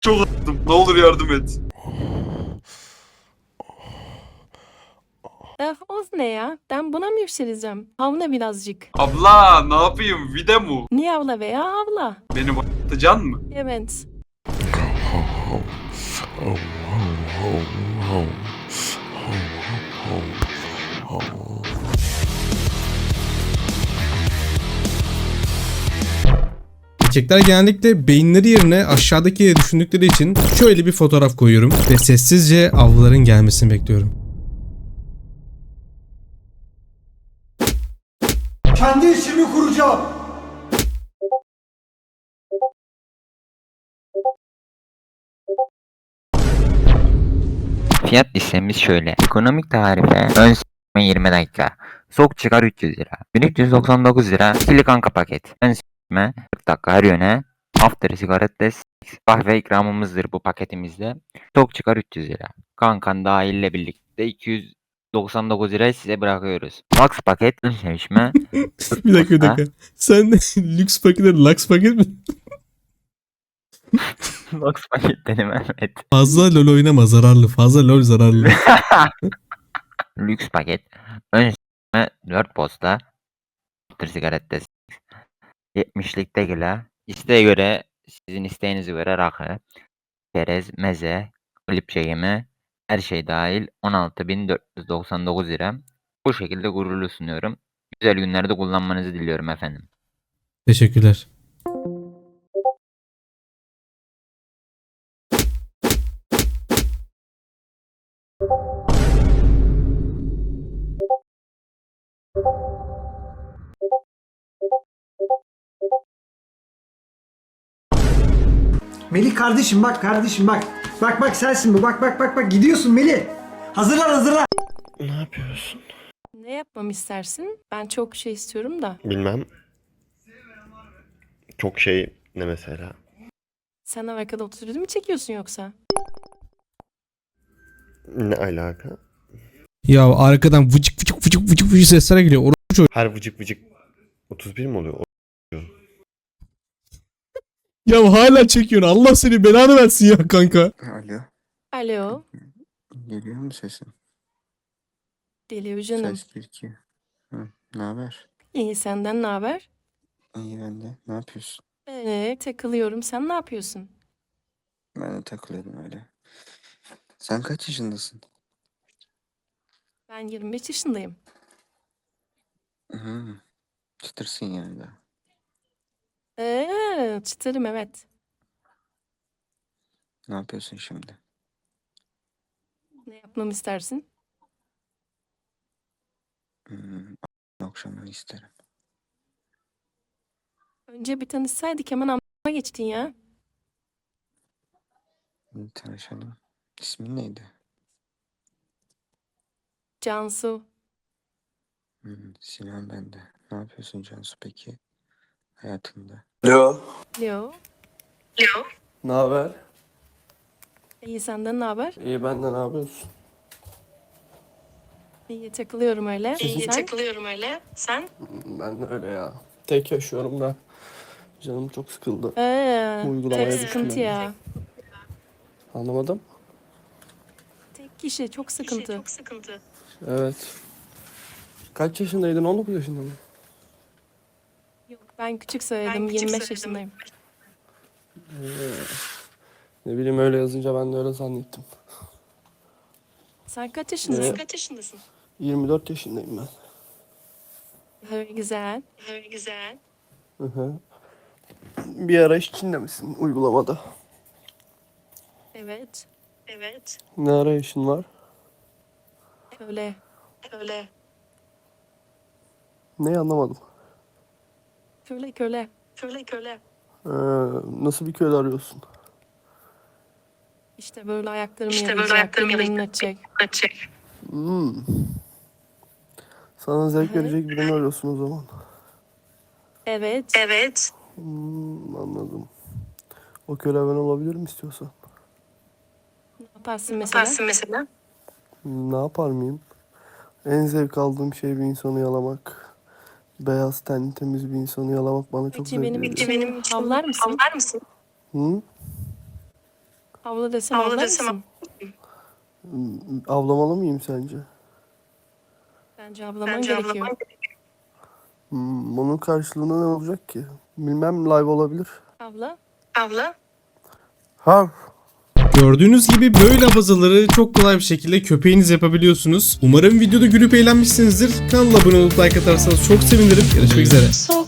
Çok attım. Ne olur yardım et. O ne ya? Ben buna mı yükseleceğim? Havla birazcık. Abla ne yapayım? Vide mu? Niye avla veya avla? Beni atacaksın mı? Evet. Erkekler genellikle beyinleri yerine aşağıdaki düşündükleri için şöyle bir fotoğraf koyuyorum ve sessizce avluların gelmesini bekliyorum. Kendi işimi kuracağım. Fiyat listemiz şöyle. Ekonomik tarife ön s**me 20 dakika. Sok çıkar 300 lira. 1399 lira. İkili kanka paket. Ön s**me 40 dakika her yöne. After sigaret kahve ikramımızdır bu paketimizde. Sok çıkar 300 lira. Kankan dahille birlikte 299 lirayı size bırakıyoruz. Max paket ön sevişme. Bir dakika bir dakika. Sen lüks paketler laks paket mi? Max paket benim evet. Fazla lol oynama zararlı. Fazla lol zararlı. Lüks paket. Ön s**me 4 posta. After sigaret 70'lik tekila. İsteğe göre sizin isteğinize göre rakı, çerez, meze, klipçe yeme, her şey dahil 16.499 lira. Bu şekilde gururlu sunuyorum. Güzel günlerde kullanmanızı diliyorum efendim. Teşekkürler. Melih kardeşim bak kardeşim bak. Bak bak sensin bu. Bak bak bak bak gidiyorsun Melih. Hazırlan hazırlan. Ne yapıyorsun? Ne yapmamı istersin? Ben çok şey istiyorum da. Bilmem. Çok şey ne mesela? Sen arkada oturup mu çekiyorsun yoksa? Ne alaka? Ya arkadan vıcık vıcık vıcık vıcık vıcık sesler geliyor. Her vıcık vıcık 31 mi oluyor? Ya hala çekiyorsun. Allah seni belanı versin ya kanka. Alo, Alo. geliyor mu sesin? Geliyor canım. Ses 1-2. Ne haber? İyi, senden ne haber? İyi ben de. Ne yapıyorsun? Takılıyorum. Sen ne yapıyorsun? Ben de takılıyordum öyle. Sen kaç yaşındasın? Ben 25 yaşındayım. Hı, çıtırsın yani daha. Çıtırım evet. Ne yapıyorsun şimdi? Ne yapmamı istersin? Hmm, akşamını isterim. Önce bir tanışsaydık hemen amma geçtin ya. Tanışalım. İsmin neydi? Cansu. Sinan ben de. Ne yapıyorsun Cansu peki? Hayatında. Alo. Leo. Ne haber? İyi, senden ne haber? İyi benden ne yapıyorsun? İyi, takılıyorum öyle. Sen? Ben de öyle ya. Tek yaşıyorum da. Canım çok sıkıldı. Bu uygulamaya Tek düştüm sıkıntı yani. ya. Anlamadım. Tek kişi çok sıkıntı. Evet. Kaç yaşındaydın? 19 yaşında mı? Yok, ben küçük söyledim. 25 yaşındayım. Ne bileyim öyle yazınca ben de öyle zannettim. Sen kaç yaşındasın? 24 yaşındayım ben. Güzel. Hı hı. Bir ara iş içinde misin uygulamada? Evet. Ne ara işin var? Öyle. Ne anlamadım. Köle. Ee, nasıl bir köle arıyorsun? İşte böyle ayaklarımı yalayacak, ellerimle açacak. Hmm. Sana zevk verecek birini arıyorsun o zaman. Evet. Anladım. O köle ben olabilirim istiyorsan. Ne yaparsın mesela? Ne yapar mıyım? En zevk aldığım şey bir insanı yalamak. Beyaz tenli temiz bir insanı yalamak bana çok Peki zevk benim veriyor. için havlar mısın? Hı? Avla desem avlar mısın? Avlamalı mıyım sence? Bence avlaman gerekiyor. Bunun karşılığında ne olacak ki? Bilmem, live olabilir. Avla. Hav. Gördüğünüz gibi böyle abazaları çok kolay bir şekilde köpeğiniz yapabiliyorsunuz. Umarım videoda gülüp eğlenmişsinizdir. Kanala abone olup like atarsanız çok sevinirim. Görüşmek üzere.